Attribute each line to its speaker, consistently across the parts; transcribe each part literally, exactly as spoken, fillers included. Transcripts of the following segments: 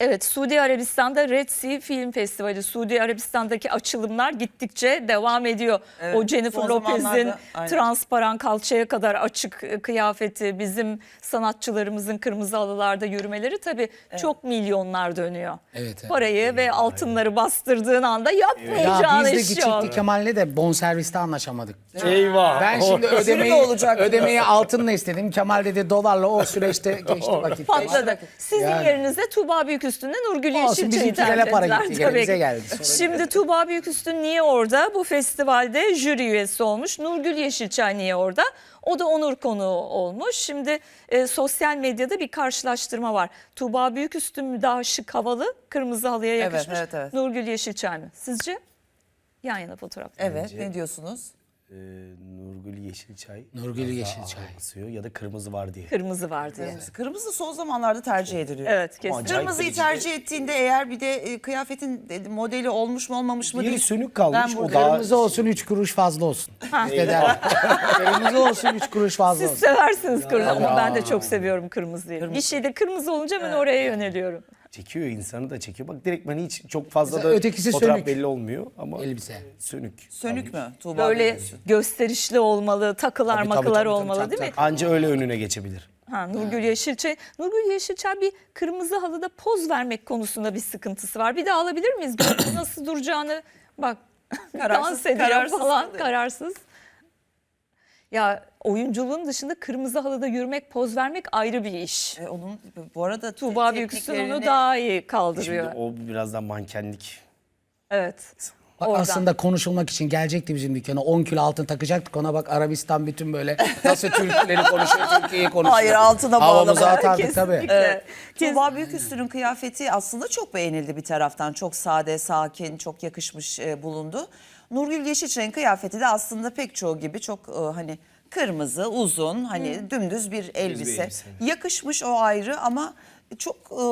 Speaker 1: Evet, Suudi Arabistan'da Red Sea Film Festivali, Suudi Arabistan'daki açılımlar gittikçe devam ediyor.
Speaker 2: Evet,
Speaker 1: O Jennifer
Speaker 2: son
Speaker 1: Lopez'in
Speaker 2: zamanlarda, aynen.
Speaker 1: transparan kalçaya kadar açık kıyafeti, bizim sanatçılarımızın kırmızı halılarda yürümeleri tabii çok milyonlar dönüyor.
Speaker 3: Evet, evet.
Speaker 1: Parayı ve altınları bastırdığın anda
Speaker 3: Ya
Speaker 1: yapmayacağın
Speaker 3: biz de
Speaker 1: iş yok.
Speaker 3: gidecektik Kemal'le de bonserviste anlaşamadık.
Speaker 4: Eyvah.
Speaker 3: Ben şimdi
Speaker 2: Sürü mü
Speaker 3: ödemeyi,
Speaker 2: olacak?
Speaker 3: ödemeyi altınla istedim. Kemal dedi dolarla, o süreçte geçti vakit.
Speaker 1: Patladı. Sizin
Speaker 3: Yani.
Speaker 1: yerinize Tuğba Büyüküstün'le Nurgül
Speaker 3: Olsun,
Speaker 1: Yeşilçay'ı
Speaker 3: bizimkilere
Speaker 1: tercih
Speaker 3: para
Speaker 1: ettiler.
Speaker 3: gitti,
Speaker 1: Tabii
Speaker 3: bize
Speaker 1: ki.
Speaker 3: geldi. Sonra
Speaker 1: Şimdi Tuğba Büyüküstün niye orada? Bu festivalde jüri üyesi olmuş. Nurgül Yeşilçay niye orada? O da onur konuğu olmuş. Şimdi e, sosyal medyada bir karşılaştırma var. Tuğba Büyüküstün mü daha şık, havalı, kırmızı halıya
Speaker 2: Evet,
Speaker 1: yakışmış?
Speaker 2: evet, evet.
Speaker 1: Nurgül Yeşilçay mı? Sizce? Yan yana fotoğraf.
Speaker 2: Evet,
Speaker 4: Bence-
Speaker 2: ne diyorsunuz?
Speaker 4: Ee, Nurgül Yeşilçay.
Speaker 3: Nurgül
Speaker 4: biraz daha
Speaker 3: Yeşilçay.
Speaker 4: ağır basıyor ya da kırmızı var diye.
Speaker 1: Kırmızı var diye.
Speaker 2: Kırmızı. Kırmızı son zamanlarda tercih ediliyor.
Speaker 1: Evet, kesin.
Speaker 4: Acayip
Speaker 2: Kırmızıyı
Speaker 4: derecede-
Speaker 2: tercih ettiğinde eğer bir de e, kıyafetin e, modeli olmuş mu olmamış mı
Speaker 4: Biri
Speaker 2: değil.
Speaker 4: sönük kalmış,
Speaker 2: Ben
Speaker 4: o
Speaker 2: burada-
Speaker 4: daha-
Speaker 3: Kırmızı olsun, üç kuruş fazla olsun. İşte der. Kırmızı olsun, üç kuruş fazla
Speaker 1: Siz
Speaker 3: olsun.
Speaker 1: seversiniz kırmızı ama ben de çok seviyorum kırmızıyı. Bir şeyde kırmızı olunca ben oraya yöneliyorum.
Speaker 4: Çekiyor, insanı da çekiyor. Bak direkt ben hiç çok fazla
Speaker 3: Mesela
Speaker 4: da
Speaker 3: ötekisi
Speaker 4: fotoğraf
Speaker 3: sönük.
Speaker 4: belli olmuyor ama
Speaker 3: Elbise.
Speaker 4: sönük.
Speaker 2: Sönük mü Tuğba?
Speaker 1: Böyle
Speaker 2: Büyüküstün?
Speaker 1: gösterişli olmalı, takılar
Speaker 3: Tabii, tabii,
Speaker 1: makılar
Speaker 3: tabii, tabii,
Speaker 1: olmalı
Speaker 3: tabii,
Speaker 1: değil mi?
Speaker 4: Anca öyle önüne geçebilir.
Speaker 1: Ha, Nurgül Yeşilçay. Nurgül Yeşilçay bir kırmızı halıda poz vermek konusunda bir sıkıntısı var. Bir daha alabilir miyiz? Böyle nasıl duracağını bak
Speaker 2: Kararsız,
Speaker 1: dans ediyor
Speaker 2: kararsız
Speaker 1: falan,
Speaker 2: kalıyor.
Speaker 1: kararsız. Ya oyunculuğun dışında kırmızı halıda yürümek, poz vermek ayrı bir iş.
Speaker 2: E, onun bu arada te-
Speaker 1: Tuğba Büyüküstün onu
Speaker 2: tekniklerini-
Speaker 1: daha iyi
Speaker 4: Şimdi
Speaker 1: kaldırıyor.
Speaker 4: o birazdan mankenlik.
Speaker 1: Evet.
Speaker 3: Bak
Speaker 1: Oradan.
Speaker 3: aslında konuşulmak için gelecekti bizim dükkana. on kilo altın takacaktık ona, bak Arabistan bütün böyle nasıl Türkleri konuşuyor, Türkiye'yi konuşuyor.
Speaker 2: Hayır, altına
Speaker 3: Havamızı
Speaker 2: bağlama.
Speaker 3: atardık tabii.
Speaker 1: Kesinlikle.
Speaker 2: Tuğba Büyüküstün'ün kıyafeti aslında çok beğenildi bir taraftan. Çok sade, sakin, çok yakışmış e, bulundu. Nurgül Yeşilçay'ın kıyafeti de aslında pek çoğu gibi çok e, hani kırmızı, uzun, hani dümdüz bir elbise.
Speaker 4: elbise.
Speaker 2: Yakışmış, o ayrı, ama çok e,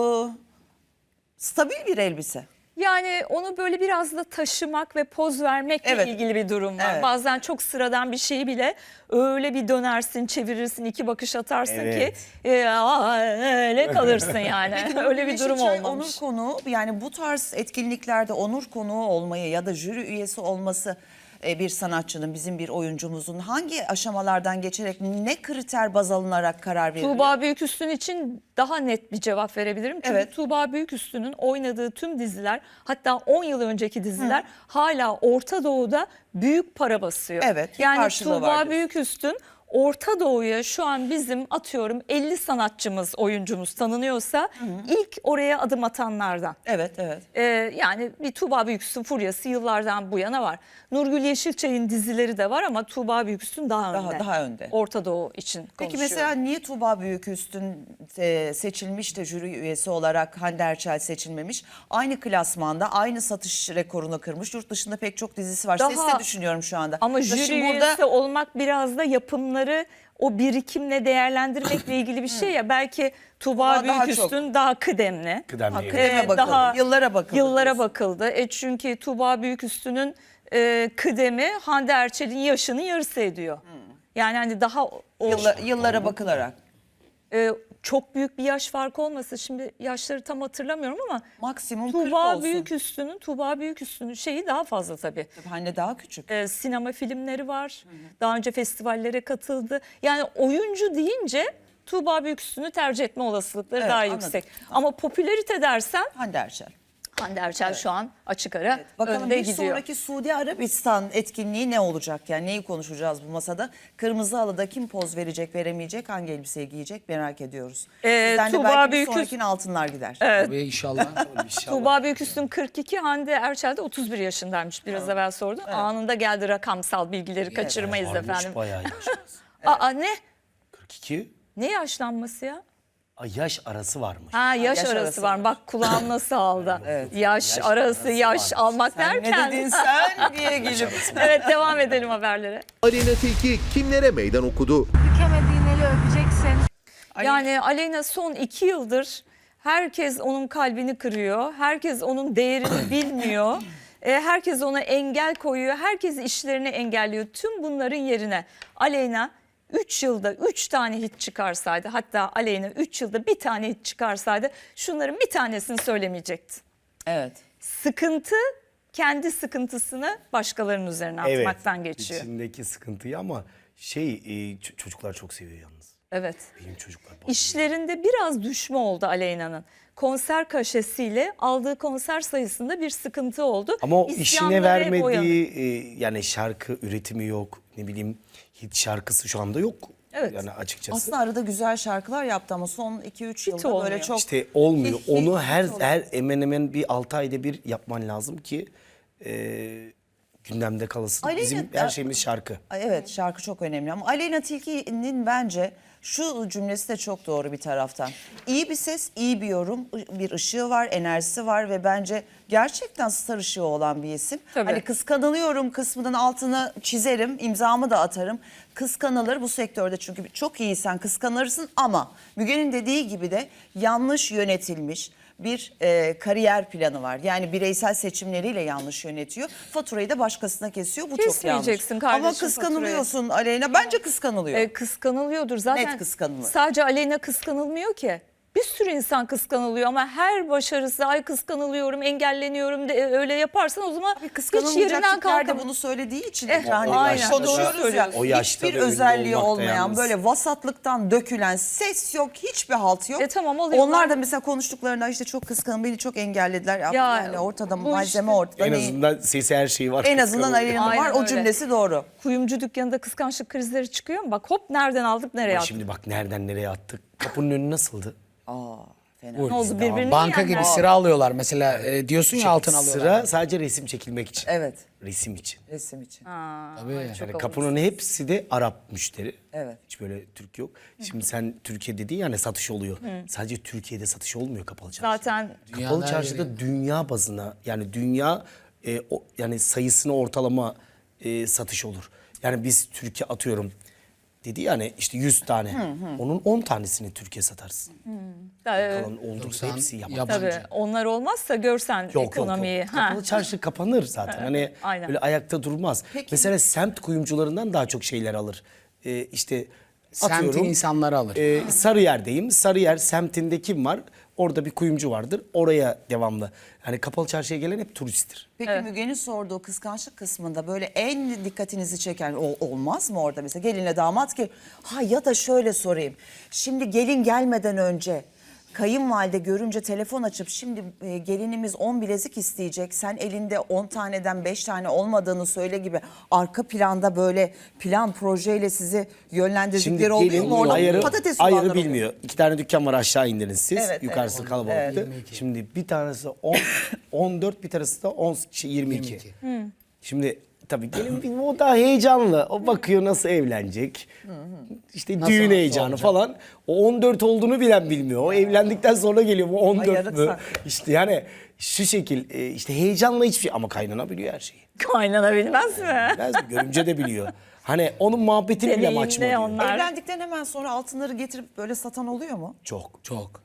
Speaker 2: stabil bir elbise.
Speaker 1: Yani onu böyle biraz da taşımak ve poz vermekle
Speaker 2: Evet.
Speaker 1: ilgili bir durum var.
Speaker 2: Evet.
Speaker 1: Bazen çok sıradan bir şeyi bile öyle bir dönersin, çevirirsin, iki bakış atarsın
Speaker 4: Evet.
Speaker 1: ki e, aa, öyle kalırsın yani. öyle bir durum
Speaker 2: Yeşilçay
Speaker 1: olmamış.
Speaker 2: onur konuğu, yani bu tarz etkinliklerde onur konuğu olmayı ya da jüri üyesi olması e, bir sanatçının, bizim bir oyuncumuzun hangi aşamalardan geçerek, ne kriter baz alınarak karar veriliyor?
Speaker 1: Tuğba Büyüküstün için daha net bir cevap verebilirim. Çünkü
Speaker 2: Evet.
Speaker 1: Tuğba Büyüküstün'ün oynadığı tüm diziler, hatta on yıl önceki diziler hala Orta Doğu'da büyük para basıyor.
Speaker 2: Evet, bir
Speaker 1: Yani
Speaker 2: karşılığı var
Speaker 1: Tuğba
Speaker 2: diyorsun.
Speaker 1: Büyüküstün Orta Doğu'ya şu an bizim atıyorum elli sanatçımız, oyuncumuz tanınıyorsa ilk oraya adım atanlardan.
Speaker 2: Evet, evet.
Speaker 1: Ee, yani bir Tuğba Büyüküstün furyası yıllardan bu yana var. Nurgül Yeşilçay'ın dizileri de var ama Tuğba Büyüküstün daha,
Speaker 2: Daha-
Speaker 1: önde.
Speaker 2: daha önde.
Speaker 1: Orta Doğu için
Speaker 2: Peki
Speaker 1: konuşuyorum.
Speaker 2: mesela niye Tuğba Büyüküstün e, seçilmiş de jüri üyesi olarak Hande Erçel seçilmemiş? Aynı klasmanda, aynı satış rekorunu kırmış. Yurt dışında pek çok dizisi var.
Speaker 1: Daha-
Speaker 2: Sesle düşünüyorum şu anda.
Speaker 1: Ama
Speaker 2: Mesela
Speaker 1: jüri
Speaker 2: şimdi
Speaker 1: üyesi olmak biraz da yapımları o birikimle değerlendirmekle ilgili bir şey ya. Belki Tuğba
Speaker 2: Tuğba daha
Speaker 1: Büyüküstün daha kıdemli.
Speaker 4: Kıdemli.
Speaker 2: Ha,
Speaker 4: evet.
Speaker 2: kıdeme
Speaker 1: Ee,
Speaker 2: bakıldı.
Speaker 1: daha
Speaker 2: Yıllara bakıldı.
Speaker 1: Yıllara
Speaker 2: diyorsun.
Speaker 1: bakıldı. E çünkü Tuğba Büyüküstün'ün e, kıdemi Hande Erçel'in yaşının yarısı ediyor. Yani hani daha o,
Speaker 2: Yılla- yıllara bakılarak.
Speaker 1: e, çok büyük bir yaş farkı olmasa, şimdi yaşları tam hatırlamıyorum ama
Speaker 2: Maksimum kırk
Speaker 1: Tuğba
Speaker 2: olsun.
Speaker 1: Büyüküstün'ün Tuğba Büyüküstün'ün şeyi daha fazla tabii.
Speaker 2: Hande daha küçük.
Speaker 1: E, sinema filmleri var. Daha önce festivallere katıldı. Yani oyuncu deyince Tuğba Büyüküstün'ü tercih etme olasılıkları
Speaker 2: Evet,
Speaker 1: daha
Speaker 2: anladım.
Speaker 1: yüksek. Ama popülarite dersen
Speaker 2: Hande Erçel.
Speaker 1: Hande Erçel şu an açık ara
Speaker 2: Bakalım
Speaker 1: önde
Speaker 2: bir
Speaker 1: gidiyor.
Speaker 2: sonraki Suudi Arabistan etkinliği ne olacak? Yani neyi konuşacağız bu masada? Kırmızı halıda kim poz verecek, veremeyecek, hangi elbiseyi giyecek merak ediyoruz.
Speaker 1: Ee,
Speaker 2: Sizden de
Speaker 1: Tuğba
Speaker 2: belki bir
Speaker 1: Büyüküstün-
Speaker 2: sonrakine altınlar gider.
Speaker 3: Tabii inşallah.
Speaker 1: Tuğba Büyüküstün kırk iki, Hande Erçel de otuz bir yaşındaymış. Biraz evvel sordum. Anında geldi rakamsal bilgileri kaçırmayız
Speaker 4: Varmış,
Speaker 1: efendim.
Speaker 4: bayağı yaş.
Speaker 1: Aa ne?
Speaker 4: kırk iki.
Speaker 1: Ne yaşlanması ya?
Speaker 4: Ay, yaş arası varmış.
Speaker 1: Ha yaş,
Speaker 2: yaş
Speaker 1: arası,
Speaker 2: arası
Speaker 1: var. Bak kulağım nasıl aldı. Yaş,
Speaker 4: Yaş
Speaker 1: arası,
Speaker 4: arası
Speaker 1: yaş
Speaker 4: varmış.
Speaker 1: almak
Speaker 2: Sen
Speaker 1: derken.
Speaker 2: ne dedin sen diye gelip.
Speaker 1: Evet, devam edelim haberlere.
Speaker 5: Aleyna Tilki kimlere meydan okudu?
Speaker 6: Bükemediğin eli öpeceksin.
Speaker 1: Yani Aleyna son iki yıldır herkes onun kalbini kırıyor. Herkes onun değerini bilmiyor. E, herkes ona engel koyuyor. Herkes işlerini engelliyor. Tüm bunların yerine Aleyna üç yılda üç tane hit çıkarsaydı, hatta Aleyna üç yılda bir tane hit çıkarsaydı şunların bir tanesini söylemeyecekti.
Speaker 2: Evet.
Speaker 1: Sıkıntı kendi sıkıntısını başkalarının üzerine atmaktan geçiyor.
Speaker 4: içindeki sıkıntıyı ama şey e, ç- çocuklar çok seviyor yalnız.
Speaker 1: Evet.
Speaker 4: Benim çocuklar bayılıyor.
Speaker 1: İşlerinde biraz düşme oldu Aleyna'nın. Konser kaşesiyle aldığı konser sayısında bir sıkıntı oldu.
Speaker 4: Ama o
Speaker 1: İsyanları
Speaker 4: işine
Speaker 1: hep o yana.
Speaker 4: vermediği e, yani şarkı üretimi yok. Ne bileyim hit şarkısı şu anda yok.
Speaker 1: Evet.
Speaker 4: Yani açıkçası.
Speaker 2: Aslında arada güzel şarkılar yaptı ama son iki üç yılda
Speaker 1: olmuyor.
Speaker 2: böyle çok...
Speaker 4: İşte olmuyor.
Speaker 2: Hiç-
Speaker 4: Onu
Speaker 2: hiç
Speaker 4: her
Speaker 2: olmuyor.
Speaker 4: her hemen hemen bir altı ayda bir yapman lazım ki e, gündemde kalasın.
Speaker 2: Aleyna-
Speaker 4: Bizim her şeyimiz şarkı.
Speaker 2: Ay, evet, şarkı çok önemli ama Aleyna Tilki'nin bence şu cümlesi de çok doğru bir taraftan. İyi bir ses, iyi bir yorum, bir ışığı var, enerjisi var ve bence gerçekten star ışığı olan bir isim.
Speaker 1: Tabii.
Speaker 2: Hani kıskanılıyorum kısmının altına çizerim, imzamı da atarım. Kıskanılır bu sektörde çünkü çok iyisen kıskanırsın ama Müge'nin dediği gibi de yanlış yönetilmiş bir e, kariyer planı var. Yani bireysel seçimleriyle yanlış yönetiyor. Faturayı da başkasına kesiyor. Bu çok yanlış.
Speaker 1: Kesmeyeceksin kardeşim
Speaker 2: Ama kıskanılıyorsun Aleyna. Bence kıskanılıyor.
Speaker 1: E, kıskanılıyordur zaten.
Speaker 2: Net kıskanılıyor.
Speaker 1: Sadece Aleyna kıskanılmıyor ki. Bir sürü insan kıskanılıyor ama her başarısı ay kıskanılıyorum, engelleniyorum de, öyle yaparsan o zaman hiç
Speaker 2: Kıskanılmayacak
Speaker 1: yerinden
Speaker 2: tipler de
Speaker 1: kalkamaz.
Speaker 2: bunu söylediği için
Speaker 1: Eh,
Speaker 2: hani
Speaker 1: aynen,
Speaker 2: konuşuyoruz
Speaker 1: doğru
Speaker 2: ya.
Speaker 1: söylüyorsun.
Speaker 4: O yaşta
Speaker 2: Hiçbir
Speaker 4: da ünlü
Speaker 2: özelliği
Speaker 4: olmak da
Speaker 2: olmayan
Speaker 4: yalnız.
Speaker 2: böyle vasatlıktan dökülen ses yok, hiçbir halt yok.
Speaker 1: E tamam, oluyorlar.
Speaker 2: Onlar da mesela konuştuklarında işte çok kıskanın beni çok engellediler. Ya,
Speaker 1: Ya,
Speaker 2: yani ortada
Speaker 1: bu
Speaker 2: malzeme
Speaker 1: işte-
Speaker 2: ortada.
Speaker 4: En
Speaker 2: Ne-
Speaker 4: azından sesi her şeyi var.
Speaker 2: en azından
Speaker 4: Kıskanıyor.
Speaker 2: Aleyna'nın
Speaker 1: Aynen
Speaker 2: var. O
Speaker 1: öyle.
Speaker 2: cümlesi doğru.
Speaker 1: Kuyumcu dükkanında kıskançlık krizleri çıkıyor mu? Bak hop nereden aldık nereye
Speaker 4: Ama
Speaker 1: attık.
Speaker 4: şimdi bak nereden nereye attık. Kapının önü nasıldı?
Speaker 2: Aa, fena.
Speaker 1: Ne oldu birbirini
Speaker 3: Banka
Speaker 1: yiyenler.
Speaker 3: gibi sıra alıyorlar mesela e, diyorsun ya altın alıyorlar.
Speaker 4: Sıra sadece resim çekilmek için.
Speaker 2: Evet,
Speaker 4: Resim için.
Speaker 2: resim için.
Speaker 3: Tabii.
Speaker 4: Yani kapının hepsi de Arap müşteri.
Speaker 2: Evet.
Speaker 4: Hiç böyle Türk yok. Şimdi sen Türkiye dediğin yani satış oluyor. Sadece Türkiye'de satış olmuyor kapalı çarşı.
Speaker 1: Zaten
Speaker 4: Kapalı
Speaker 3: Dünyada her
Speaker 4: çarşıda dünya bazına yani dünya e, o, yani sayısını ortalama e, satış olur. Yani biz Türkiye atıyorum dedi yani işte yüz tane. Onun on tanesini Türkiye satarsın.
Speaker 1: e,
Speaker 4: Kalan olduysa
Speaker 3: Doksan
Speaker 4: hepsi yabancı.
Speaker 3: yabancı.
Speaker 1: tabii onlar olmazsa görsen
Speaker 4: Yok, yok,
Speaker 1: ekonomiyi.
Speaker 4: yok.
Speaker 1: Ha.
Speaker 4: Kapalı çarşı kapanır zaten. Hani
Speaker 1: Aynen.
Speaker 4: böyle ayakta durmaz. Mesela semt kuyumcularından daha çok şeyler alır. Ee, işte
Speaker 3: Semtin
Speaker 4: atıyorum.
Speaker 3: insanları alır.
Speaker 4: E, Sarıyer'deyim. Sarıyer semtinde kim var? Orada bir kuyumcu vardır. Oraya devamlı. Yani kapalı çarşıya gelen hep turisttir.
Speaker 2: Peki Müge'nin sorduğu kıskançlık kısmında böyle en dikkatinizi çeken o, olmaz mı orada mesela gelinle damat ki ha ya da şöyle sorayım. Şimdi gelin gelmeden önce kayınvalide görünce telefon açıp şimdi e, gelinimiz on bilezik isteyecek. Sen elinde on taneden beş tane olmadığını söyle gibi arka planda böyle plan projeyle sizi yönlendirdikleri oluyor mu? Orada
Speaker 4: ayarı,
Speaker 2: patates
Speaker 4: ayarı
Speaker 2: soğanları oluyor.
Speaker 4: bilmiyor. İki tane dükkan var aşağı indiniz siz.
Speaker 2: Evet,
Speaker 4: Yukarısı
Speaker 2: evet.
Speaker 4: kalabalıktı. Şimdi bir tanesi on, on dört bir tanesi de on, şey, yirmi iki.
Speaker 3: yirmi iki.
Speaker 4: Şimdi tabii gelin bir- o da heyecanlı. O bakıyor nasıl evlenecek. İşte
Speaker 3: Nasıl
Speaker 4: düğün heyecanı
Speaker 3: olacak?
Speaker 4: falan. O on dört olduğunu bilen bilmiyor. O evlendikten sonra geliyor bu on dört
Speaker 2: yarık
Speaker 4: mü?
Speaker 2: saklıyor.
Speaker 4: İşte yani şu şekil e, işte heyecanla hiçbir şey ama kaynana biliyor her şeyi.
Speaker 1: Kaynana bilmez mi?
Speaker 4: Bilmez mi? Görümce de biliyor. Hani onun muhabbetini bile
Speaker 1: Deneyimli
Speaker 4: açma diyor.
Speaker 1: onlar.
Speaker 2: Evlendikten hemen sonra altınları getirip böyle satan oluyor mu?
Speaker 4: Çok.
Speaker 3: Çok.